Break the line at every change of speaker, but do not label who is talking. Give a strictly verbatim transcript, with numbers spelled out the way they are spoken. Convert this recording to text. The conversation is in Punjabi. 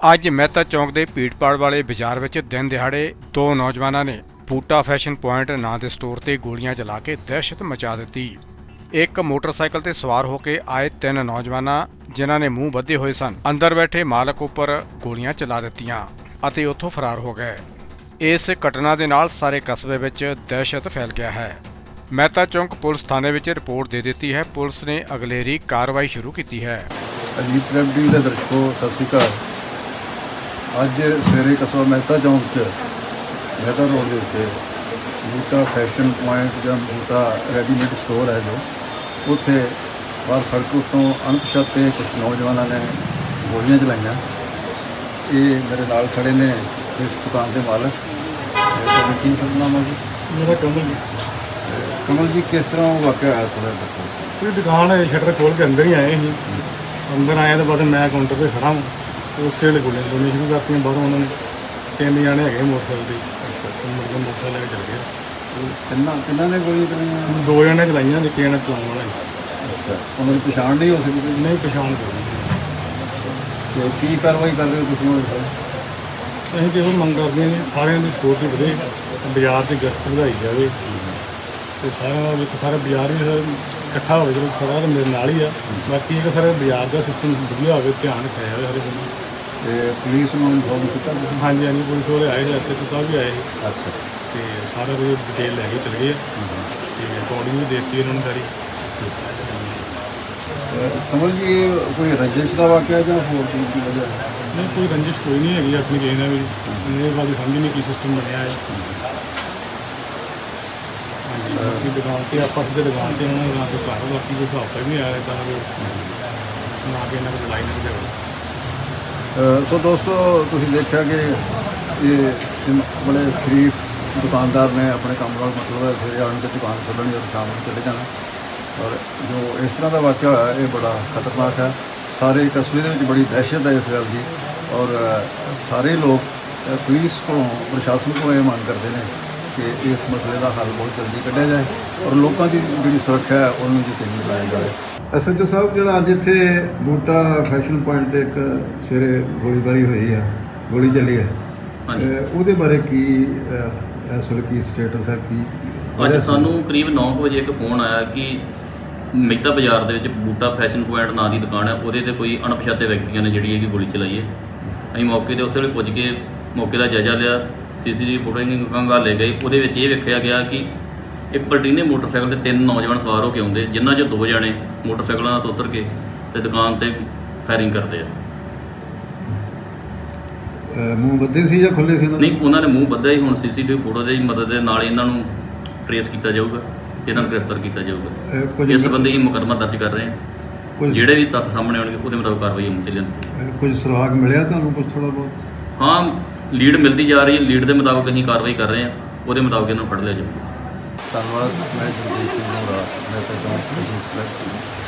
ਅੱਜ ਮਹਿਤਾ ਚੌਂਕ ਦੇ ਭੀੜਪਾੜ ਵਾਲੇ ਬਾਜ਼ਾਰ ਵਿੱਚ ਦਿਨ ਦਿਹਾੜੇ ਦੋ ਨੌਜਵਾਨਾਂ ਨੇ ਬੂਟਾ ਫੈਸ਼ਨ ਪੁਆਇੰਟ ਨਾਂ ਦੇ ਸਟੋਰ ਤੇ ਗੋਲੀਆਂ ਚਲਾ ਕੇ ਦਹਿਸ਼ਤ ਮਚਾ ਦਿੱਤੀ। ਇੱਕ ਮੋਟਰਸਾਈਕਲ ਤੇ ਸਵਾਰ ਹੋ ਕੇ ਆਏ ਤਿੰਨ ਨੌਜਵਾਨਾਂ ਜਿਨ੍ਹਾਂ ਨੇ ਮੂੰਹ ਬੱਧੇ ਹੋਏ ਸਨ ਅੰਦਰ ਬੈਠੇ ਮਾਲਕ ਉੱਪਰ ਗੋਲੀਆਂ ਚਲਾ ਦਿੱਤੀਆਂ ਅਤੇ ਉੱਥੋਂ ਫਰਾਰ ਹੋ ਗਏ। ਇਸ ਘਟਨਾ ਦੇ ਨਾਲ ਸਾਰੇ ਕਸਬੇ ਵਿੱਚ ਦਹਿਸ਼ਤ ਫੈਲ ਗਿਆ ਹੈ। ਮਹਿਤਾ ਚੌਂਕ ਪੁਲਿਸ ਥਾਣੇ ਵਿੱਚ ਰਿਪੋਰਟ ਦੇ ਦਿੱਤੀ ਹੈ। ਪੁਲਿਸ ਨੇ ਅਗਲੇਰੀ ਕਾਰਵਾਈ ਸ਼ੁਰੂ ਕੀਤੀ ਹੈ।
ਅਜੀਤ ਵੈਬ ਟੀ ਵੀ ਦੇ ਦਰਸ਼ਕੋ ਸਤਿ ਸ਼੍ਰੀ ਅਕਾਲ। ਅੱਜ ਸਵੇਰੇ ਕਸਬਾ ਮਹਿਤਾ ਚੌਂਕ 'ਚ ਮਹਿਤਾ ਰੋਡ ਦੇ ਉੱਤੇ ਬੂਟਾ ਫੈਸ਼ਨ ਪੁਆਇੰਟ ਜਾਂ ਬੂਟਾ ਰੈਡੀਮੇਡ ਸਟੋਰ ਹੈ ਜੋ ਉੱਥੇ ਬਾਹਰ ਸੜਕ ਉੱਤੋਂ ਅਣਪਛਾਤੇ ਕੁਝ ਨੌਜਵਾਨਾਂ ਨੇ ਗੋਲੀਆਂ ਚਲਾਈਆਂ। ਇਹ ਮੇਰੇ ਨਾਲ ਖੜੇ ਨੇ ਇਸ ਦੁਕਾਨ ਦੇ ਮਾਲਕ। ਤੁਹਾਡਾ ਕੀ ਨਾਮ ਹੈ ਜੀ?
ਮੇਰਾ ਕਮਲ ਜੀ।
ਕਮਲ ਜੀ, ਕਿਸ ਤਰ੍ਹਾਂ ਉਹ ਵਾਕਿਆ ਹੋਇਆ ਥੋੜ੍ਹਾ ਦੱਸੋ।
ਇਹ ਦੁਕਾਨ ਹੈ, ਸ਼ਟਰ ਖੋਲ੍ਹ ਕੇ ਅੰਦਰ ਹੀ ਆਏ ਸੀ। ਅੰਦਰ ਆਏ ਤੋਂ ਬਾਅਦ ਮੈਂ ਕਾਊਂਟਰ 'ਤੇ ਖੜ੍ਹਾ ਹਾਂ। ਉਸੇ ਵੇਲੇ ਗੋਲੀਆਂ ਚਲਾਉਣੀਆਂ ਸ਼ੁਰੂ ਕਰਤੀਆਂ। ਬਾਹਰੋਂ ਉਹਨਾਂ ਨੇ ਤਿੰਨ ਜਾਣੇ ਹੈਗੇ ਮੋਟਰਸਾਈਕਲ 'ਤੇ, ਮੁੜ ਕੇ ਮੋਟਰਸਾਈਕਲ ਲੈ ਕੇ ਚਲ ਗਏ।
ਤਿੰਨਾਂ ਤਿੰਨਾਂ ਨੇ ਗੋਲੀਆਂ ਚਲਾਈਆਂ?
ਦੋ ਜਣੇ ਚਲਾਈਆਂ, ਇੱਕ ਜਣਾ ਚਲਾਉਣ ਵਾਲਾ ਸੀ।
ਅੱਛਾ, ਉਹਨਾਂ ਦੀ ਪਛਾਣ ਨਹੀਂ ਹੋ ਸਕਦੀ?
ਨਹੀਂ ਪਛਾਣ ਕਰਨੀ।
ਤੇ ਕੀ ਕਾਰਵਾਈ ਕਰ ਰਹੇ ਹੋ ਤੁਸੀਂ ਹੁਣ?
ਅਸੀਂ ਕਿਹੋ ਮੰਗ ਕਰਦੇ ਹਾਂ ਸਾਰਿਆਂ ਦੀ ਸਪੋਰਟ ਵਧੇ, ਬਾਜ਼ਾਰ 'ਚ ਗਸ਼ਤ ਵਧਾਈ ਜਾਵੇ ਅਤੇ ਸਾਰਿਆਂ ਦਾ ਵਿੱਚ ਸਾਰਾ ਬਾਜ਼ਾਰ ਵੀ ਇਕੱਠਾ ਹੋਵੇ। ਚਲੋ ਸਾਰਾ ਤਾਂ ਮੇਰੇ ਨਾਲ ਹੀ ਆ। ਬਾਕੀ ਇਹ ਸਾਰੇ ਬਾਜ਼ਾਰ ਦਾ ਸਿਸਟਮ ਵਧੀਆ ਹੋਵੇ, ਧਿਆਨ ਰੱਖਿਆ ਜਾਵੇ ਸਾਰੇ ਬੰਦੇ।
ਤੇ ਪੁਲਿਸ ਨੂੰ ਇਨਫੋਰਮ ਕੀਤਾ ਤੁਸੀਂ?
ਹਾਂਜੀ ਹਾਂਜੀ, ਪੁਲਿਸ ਵਾਲੇ ਆਏ ਸੀ, ਐਸ ਐਚ ਓ ਸਾਹਿਬ ਵੀ ਆਏ ਸੀ
ਅੱਛਾ।
ਅਤੇ ਸਾਰਾ ਕੁਝ ਡਿਟੇਲ ਲੈ ਕੇ ਚਲੇ ਗਏ ਅਤੇ ਰਿਕਾਰਡਿੰਗ ਵੀ ਦੇ ਦਿੱਤੀ ਇਹਨਾਂ ਨੂੰ ਸਾਰੀ।
ਸਮਝ ਜੀ, ਕੋਈ ਰੰਜਿਸ਼ ਦਾ ਵਾਕਿਆ ਜਾਂ ਹੋਰ ਕੀ ਦੀ ਵਜ੍ਹਾ?
ਨਹੀਂ, ਕੋਈ ਰੰਜਿਸ਼ ਕੋਈ ਨਹੀਂ ਹੈਗੀ ਆਪਣੀ ਕਿਸੇ ਨਾਲ ਵੀ। ਮੇਰੇ ਬਾਰੇ ਸਮਝ ਨਹੀਂ ਕੀ ਸਿਸਟਮ ਬਣਿਆ ਹੈ। ਹਾਂਜੀ, ਬਾਕੀ ਦੁਕਾਨ 'ਤੇ ਆਪਾਂ ਸਿੱਧੇ ਦੁਕਾਨ 'ਤੇ ਉਹਨਾਂ ਨਾ ਕੋਈ ਘਰ, ਬਾਕੀ ਕੋਈ ਹਿਸਾਬ ਤਾਂ ਨਹੀਂ ਆਇਆ ਇੱਦਾਂ ਦਾ ਕੋਈ, ਨਾ ਕਿ ਇਹਨਾਂ ਕੋਲ ਲੜਾਈ ਨਹੀਂ ਝਗੜਾ।
ਸੋ ਦੋਸਤੋ, ਤੁਸੀਂ ਦੇਖਿਆ ਕਿ ਇਹ ਇਹ ਬੜੇ ਸ਼ਰੀਫ ਦੁਕਾਨਦਾਰ ਨੇ। ਆਪਣੇ ਕੰਮ ਨਾਲ ਮਤਲਬ ਹੈ ਸਵੇਰੇ ਆਉਣ ਕੇ ਦੁਕਾਨ ਖੋਲ੍ਹਣੀ ਔਰ ਸ਼ਾਮ ਨੂੰ ਚਲੇ ਜਾਣਾ। ਔਰ ਜੋ ਇਸ ਤਰ੍ਹਾਂ ਦਾ ਵਾਕਿਆ ਹੋਇਆ ਇਹ ਬੜਾ ਖਤਰਨਾਕ ਹੈ। ਸਾਰੇ ਕਸਬੇ ਦੇ ਵਿੱਚ ਬੜੀ ਦਹਿਸ਼ਤ ਹੈ ਇਸ ਗੱਲ ਦੀ। ਔਰ ਸਾਰੇ ਲੋਕ ਪੁਲਿਸ ਕੋਲੋਂ, ਪ੍ਰਸ਼ਾਸਨ ਕੋਲੋਂ ਇਹ ਮੰਗ ਕਰਦੇ ਨੇ ਕਿ ਇਸ ਮਸਲੇ ਦਾ ਹੱਲ ਬਹੁਤ ਜਲਦੀ ਕੱਢਿਆ ਜਾਏ ਔਰ ਲੋਕਾਂ ਦੀ ਜਿਹੜੀ ਸੁਰੱਖਿਆ ਹੈ ਉਹਨੂੰ ਯਕੀਨੀ ਬਣਾਇਆ ਜਾਵੇ। ਐਸ ਐਚ ਓ ਸਾਹਿਬ, ਜਿਹੜਾ ਅੱਜ ਇੱਥੇ ਬੂਟਾ ਫੈਸ਼ਨ ਪੁਆਇੰਟ 'ਤੇ ਇੱਕ ਸਵੇਰੇ ਗੋਲੀਬਾਰੀ ਹੋਈ ਹੈ, ਗੋਲੀ ਚੱਲੀ ਹੈ, ਉਹਦੇ ਬਾਰੇ ਕੀ ਇਸ ਵੇਲੇ ਕੀ ਸਟੇਟਸ ਹੈ? ਕੀ
ਅੱਜ ਸਾਨੂੰ ਕਰੀਬ ਨੌ ਕੁ ਵਜੇ ਇੱਕ ਫੋਨ ਆਇਆ ਕਿ ਮਹਿਤਾ ਬਾਜ਼ਾਰ ਦੇ ਵਿੱਚ ਬੂਟਾ ਫੈਸ਼ਨ ਪੁਆਇੰਟ ਨਾਂ ਦੀ ਦੁਕਾਨ ਹੈ, ਉਹਦੇ 'ਤੇ ਕੋਈ ਅਣਪਛਾਤੇ ਵਿਅਕਤੀਆਂ ਨੇ ਜਿਹੜੀ ਹੈਗੀ ਗੋਲੀ ਚਲਾਈ ਹੈ। ਅਸੀਂ ਮੌਕੇ 'ਤੇ ਉਸੇ ਵੇਲੇ ਪੁੱਜ ਕੇ ਮੌਕੇ ਦਾ ਜਾਇਜ਼ਾ ਲਿਆ, ਸੀ ਸੀ ਟੀ ਵੀ ਫੁਟੇਜ ਖੰਗਾਲੇ ਗਏ। ਉਹਦੇ ਵਿੱਚ ਇਹ ਵੇਖਿਆ ਗਿਆ ਕਿ ਇੱਕ ਪਲਟੀਨੇ ਮੋਟਰਸਾਈਕਲ 'ਤੇ ਤਿੰਨ ਨੌਜਵਾਨ ਸਵਾਰ ਹੋ ਕੇ ਆਉਂਦੇ, ਜਿਨ੍ਹਾਂ 'ਚ ਦੋ ਜਣੇ ਮੋਟਰਸਾਈਕਲਾਂ ਤੋਂ ਉਤਰ ਕੇ ਤੇ ਦੁਕਾਨ 'ਤੇ ਫਾਇਰਿੰਗ ਕਰਦੇ ਆ।
ਮੂੰਹ ਬੱਧੇ ਸੀ ਜਾਂ ਖੁੱਲ੍ਹੇ ਸੀ?
ਨਹੀਂ, ਉਹਨਾਂ ਨੇ ਮੂੰਹ ਬੱਧਿਆ ਹੀ। ਹੁਣ ਸੀ ਸੀ ਟੀ ਵੀ ਫੋਟੋ ਦੀ ਮਦਦ ਦੇ ਨਾਲ ਇਹਨਾਂ ਨੂੰ ਟਰੇਸ ਕੀਤਾ ਜਾਊਗਾ ਤੇ ਇਹਨਾਂ ਨੂੰ ਗ੍ਰਿਫਤਾਰ ਕੀਤਾ ਜਾਊਗਾ। ਇਸ ਸੰਬੰਧੀ ਮੁਕੱਦਮਾ ਦਰਜ ਕਰ ਰਹੇ ਹਾਂ। ਜਿਹੜੇ ਵੀ ਤੱਥ ਸਾਹਮਣੇ ਆਉਣਗੇ ਉਹਦੇ ਮੁਤਾਬਕ ਕਾਰਵਾਈ ਹੋਣੀ ਚਾਹੀਦੀ।
ਕੁਝ ਸੁਰਾਗ ਮਿਲਿਆ ਤੁਹਾਨੂੰ ਕੁਝ ਥੋੜ੍ਹਾ ਬਹੁਤ?
ਹਾਂ, ਲੀਡ ਮਿਲਦੀ ਜਾ ਰਹੀ ਹੈ। ਲੀਡ ਦੇ ਮੁਤਾਬਕ ਅਸੀਂ ਕਾਰਵਾਈ ਕਰ ਰਹੇ ਹਾਂ, ਉਹਦੇ ਮੁਤਾਬਕ ਇਹਨਾਂ ਨੂੰ ਫੜ ਲਿਆ ਜਾਊਗਾ।
ਧੰਨਵਾਦ। ਮੈਂ ਜਗਦੀਸ਼ ਸਿੰਘ ਮੋਰਾ, ਮੈਂ ਤਾਂ